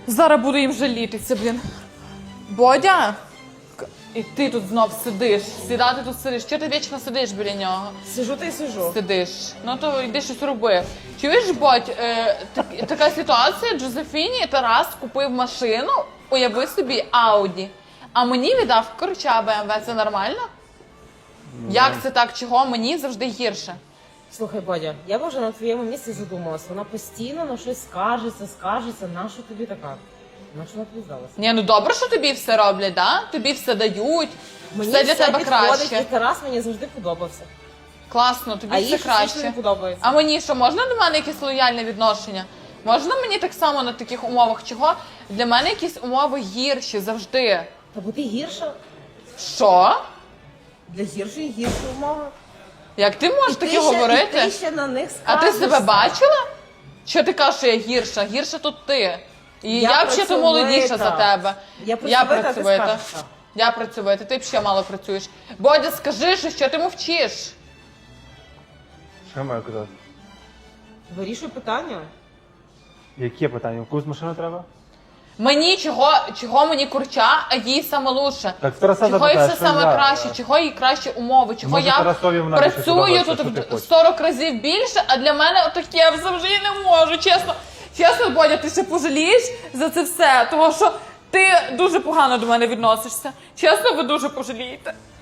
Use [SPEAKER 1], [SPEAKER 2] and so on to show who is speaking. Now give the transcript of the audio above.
[SPEAKER 1] Зараз буду їм жалітися, блін. Бодя, і ти тут знов сидиш. Сідати тут сидиш. Чого ти вічно сидиш біля нього?
[SPEAKER 2] Сижу та й сижу.
[SPEAKER 1] Сидиш. Ну то йди щось роби. Чуєш, Бодь, така ситуація, Джозефіні Тарас купив машину, уяви собі, Ауді, а мені віддав корча БМВ. Це нормально? Як це так? Чого? Мені завжди гірше.
[SPEAKER 2] Слухай, Бодя, я б вже на твоєму місці задумалась. Вона постійно на щось скажеться. Нащо тобі така? Нащо вона тобі здалася?
[SPEAKER 1] Ні, ну добре, що тобі все роблять, да? Тобі все дають, все для тебе краще.
[SPEAKER 2] І Тарас мені завжди подобався.
[SPEAKER 1] Класно, тобі
[SPEAKER 2] А
[SPEAKER 1] все
[SPEAKER 2] їй
[SPEAKER 1] краще.
[SPEAKER 2] не подобається.
[SPEAKER 1] А мені що, можна до мене якесь лояльне відношення? Можна мені так само на таких умовах? Чого? Для мене якісь умови гірші завжди.
[SPEAKER 2] Та бо ти гірша.
[SPEAKER 1] Що?
[SPEAKER 2] Для гіршої гірші умови.
[SPEAKER 1] Як ти можеш таке говорити?
[SPEAKER 2] І ти ще на них
[SPEAKER 1] А
[SPEAKER 2] скажешся.
[SPEAKER 1] ти себе бачила? Що ти кажеш, що я гірша? Гірша тут ти. І я взагалі молодіша за тебе.
[SPEAKER 2] Я працьовита, а ти скажешся.
[SPEAKER 1] Я працьовита, ти б ще мало працюєш. Бодя, скажи, що ти мовчиш?
[SPEAKER 3] Що я маю казати?
[SPEAKER 2] Вирішуй питання.
[SPEAKER 3] Які питання? Якусь машину треба?
[SPEAKER 1] Мені чого мені курча, а їй саме лучше.
[SPEAKER 3] Так Тараса
[SPEAKER 1] Чого їй
[SPEAKER 3] запитаєш,
[SPEAKER 1] все
[SPEAKER 3] що
[SPEAKER 1] саме
[SPEAKER 3] я?
[SPEAKER 1] краще, чого їй кращі умови, чого
[SPEAKER 3] Може,
[SPEAKER 1] я
[SPEAKER 3] Тарасові вона більше
[SPEAKER 1] працюю
[SPEAKER 3] подобається,
[SPEAKER 1] тут
[SPEAKER 3] що ти хочеш?
[SPEAKER 1] в 40 разів більше, а для мене отаке взагалі не можу, чесно. Чесно, Бодя, ти ще пожалієш за це все, тому що ти дуже погано до мене відносишся. Чесно, ви дуже пожалієте.